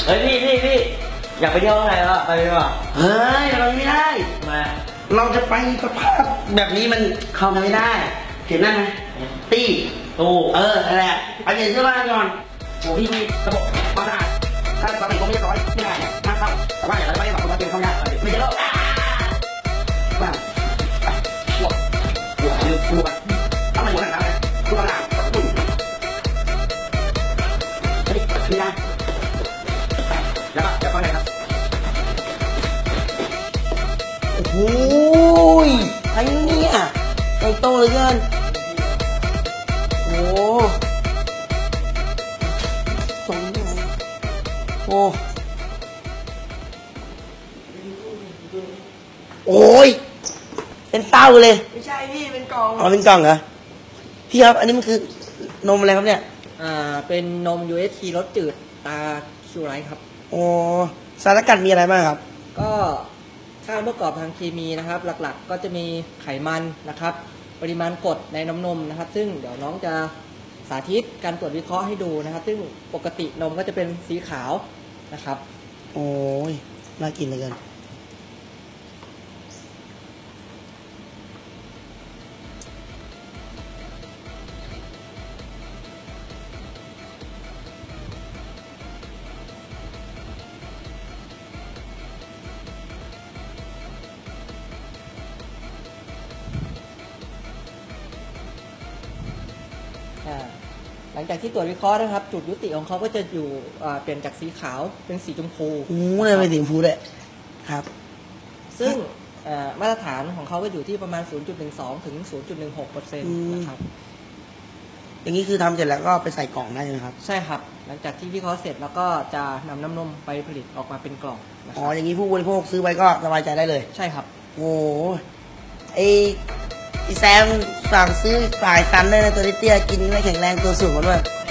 เฮ้ยพี่อยากไปเที่ยวอะไรวะไปดีกว่าเฮ้ยเราไม่ได้มาเราจะไปสภาพแบบนี้มันเข้ากันไม่ได้เห็นนั่นไหมตี้ตู้อะไรไปเปลี่ยนเสื้อผ้าก่อนโอ้พี่มีระบบความสะอาดถ้าปกติผมไม่เรียบร้อยไม่ได้ห้ามเข้าแต่ว่าอย่างไรไม่ได้บอกว่าเป็นเข้ายากไม่เจอแล้วบ้าปวดทำไมหัวหนักเลยคุณประหลาดเฮ้ยมีนะแล้วก็ไงครับโอ้ยไอ้เนี่ยไอ้โตเลยเกินโอ้ตรงนี้โอ้ยเป็นเต้าเลยไม่ใช่พี่เป็นกล่องอ๋อเป็นกล่องเหรอพี่ครับอันนี้มันคือนมอะไรครับเนี่ยเป็นนม UHT รสจืดตาคิวไรครับโอ้สารสกัดมีอะไรบ้างครับก็สารประกอบทางเคมีนะครับหลักๆก็จะมีไขมันนะครับปริมาณกรดในน้ำนมนะครับซึ่งเดี๋ยวน้องจะสาธิตการตรวจวิเคราะห์ให้ดูนะครับซึ่งปกตินมก็จะเป็นสีขาวนะครับโอ้ยน่ากินเลยกันหลังจากที่ตรวจวิเคราะห์นะครับจุดยุติของเขาก็จะอยู่เปลี่ยนจากสีขาวเป็นสีชมพูเลยเป็นสีชมพูเลยครับซึ่งมาตรฐานของเขาก็อยู่ที่ประมาณ 0.12 ถึง 0.16% นะครับอย่างนี้คือทำเสร็จแล้วก็ไปใส่กล่องได้ใช่ไหมครับใช่ครับหลังจากที่วิเคราะห์เสร็จแล้วก็จะนำน้ำนมไปผลิตออกมาเป็นกล่องอ๋ออย่างนี้ผู้บริโภคซื้อไปก็สบายใจได้เลยใช่ครับโอ้ไอแซมสั่งซื้อฝ่ายซันได้นะตัวเตี้ยกินไม่แข็งแรงตัวสูงมาด้วย